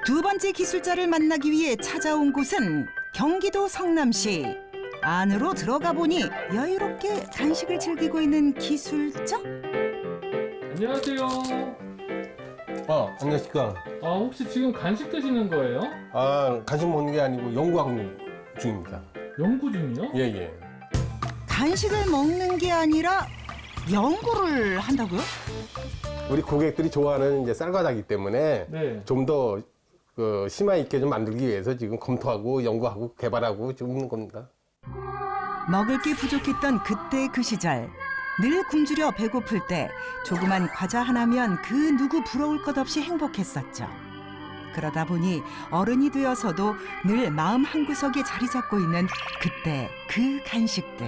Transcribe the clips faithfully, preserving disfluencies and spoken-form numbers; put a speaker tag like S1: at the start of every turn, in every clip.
S1: 두 번째 기술자를 만나기 위해 찾아온 곳은 경기도 성남시. 안으로 들어가 보니 여유롭게 간식을 즐기고 있는 기술자?
S2: 안녕하세요.
S3: 어, 안녕하십니까.
S2: 아, 혹시 지금 간식 드시는 거예요?
S3: 아, 간식 먹는 게 아니고 연구하고 중입니다.
S2: 연구 중이요?
S3: 예, 예.
S1: 간식을 먹는 게 아니라 연구를 한다고요?
S3: 우리 고객들이 좋아하는 이제 쌀과자기 때문에
S2: 네.
S3: 좀 더 그 심화 있게 좀 만들기 위해서 지금 검토하고 연구하고 개발하고 지금 있는 겁니다.
S1: 먹을 게 부족했던 그때 그 시절. 늘 굶주려 배고플 때 조그만 과자 하나면 그 누구 부러울 것 없이 행복했었죠. 그러다 보니 어른이 되어서도 늘 마음 한구석에 자리 잡고 있는 그때 그 간식들.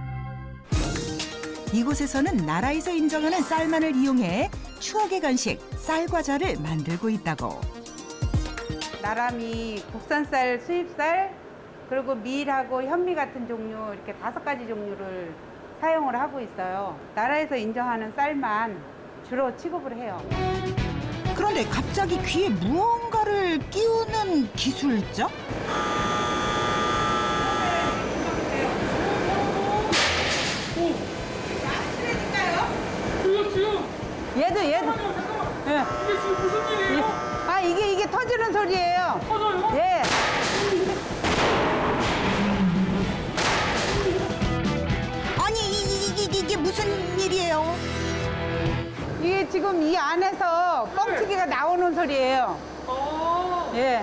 S1: 이곳에서는 나라에서 인정하는 쌀만을 이용해 추억의 간식 쌀과자를 만들고 있다고.
S4: 나라미, 국산쌀, 수입쌀, 그리고 밀하고 현미 같은 종류 이렇게 다섯 가지 종류를 사용을 하고 있어요. 나라에서 인정하는 쌀만 주로 취급을 해요.
S1: 그런데 갑자기 귀에 무언가를 끼우는 기술자?
S2: 이거 지금
S4: 얘도 얘도. 예.
S2: 이게 지금 무슨 일이에요?
S4: 아 이게 이게 터지는 소리예요.
S2: 터져요?
S4: 예.
S1: 아니 이, 이, 이, 이게 무슨 일이에요?
S4: 이게 지금 이 안에서 뻥튀기가 나오는 소리예요.
S2: 아,
S4: 예.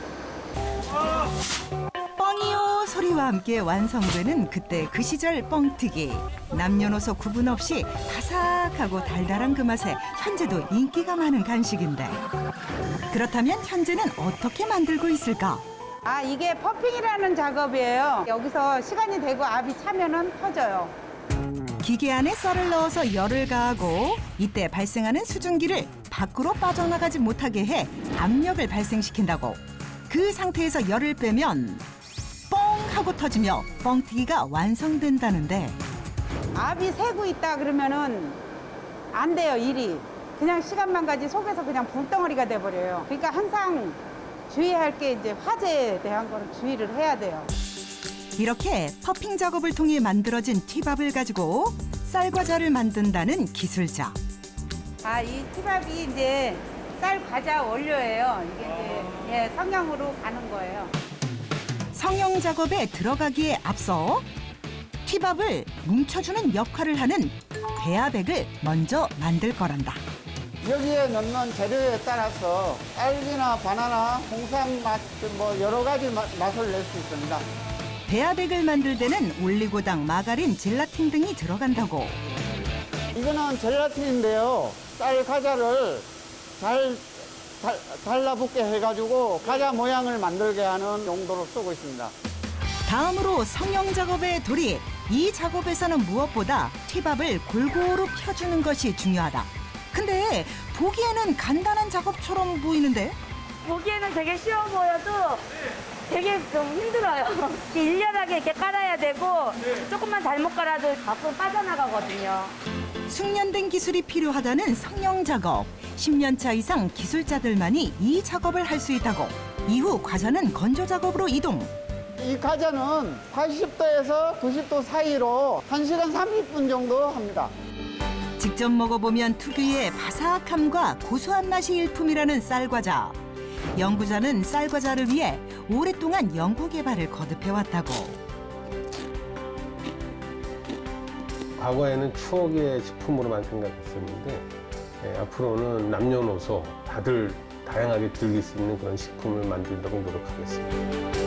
S1: 뻥이요 소리와 함께 완성되는 그때 그 시절 뻥튀기. 남녀노소 구분 없이 바삭하고 달달한 그 맛에 현재도 인기가 많은 간식인데 그렇다면 현재는 어떻게 만들고 있을까?
S4: 아 이게 퍼핑이라는 작업이에요. 여기서 시간이 되고 압이 차면은 터져요.
S1: 기계 안에 쌀을 넣어서 열을 가하고 이때 발생하는 수증기를 밖으로 빠져나가지 못하게 해 압력을 발생시킨다고. 그 상태에서 열을 빼면 뻥 하고 터지며 뻥튀기가 완성된다는데
S4: 압이 새고 있다 그러면은 안 돼요, 일이. 그냥 시간만 가지 속에서 그냥 불덩어리가 돼버려요. 그러니까 항상 주의할 게 이제 화재에 대한 거는 주의를 해야 돼요.
S1: 이렇게 퍼핑 작업을 통해 만들어진 티밥을 가지고 쌀과자를 만든다는 기술자.
S4: 아, 이 티밥이 이제 쌀 과자 원료예요. 이게 이제 예, 성형으로 가는 거예요.
S1: 성형 작업에 들어가기에 앞서 티밥을 뭉쳐주는 역할을 하는 배아백을 먼저 만들 거란다.
S5: 여기에 넣는 재료에 따라서 딸기나 바나나, 홍삼 맛, 뭐 여러 가지 맛, 맛을 낼 수 있습니다.
S1: 배아백을 만들 때는 올리고당, 마가린, 젤라틴 등이 들어간다고.
S5: 이거는 젤라틴인데요. 쌀 과자를 잘 달, 달라붙게 해가지고 과자 모양을 만들게 하는 용도로 쓰고 있습니다.
S1: 다음으로 성형 작업에 돌입. 이 작업에서는 무엇보다 티밥을 골고루 펴주는 것이 중요하다. 근데 보기에는 간단한 작업처럼 보이는데
S6: 보기에는 되게 쉬워 보여도 되게 좀 힘들어요. 이렇게 일렬하게 이렇게 깔아야 되고 조금만 잘못 깔아도 밖으로 빠져나가거든요.
S1: 숙련된 기술이 필요하다는 성형 작업. 십 년 차 이상 기술자들만이 이 작업을 할 수 있다고. 이후 과자는 건조 작업으로 이동.
S5: 이 과자는 팔십 도에서 구십 도 사이로 한 시간 삼십 분 정도 합니다.
S1: 직접 먹어보면 특유의 바삭함과 고소한 맛이 일품이라는 쌀과자. 연구자는 쌀과자를 위해 오랫동안 연구 개발을 거듭해왔다고.
S3: 과거에는 추억의 식품으로만 생각했었는데 예, 앞으로는 남녀노소 다들 다양하게 즐길 수 있는 그런 식품을 만들도록 노력하겠습니다.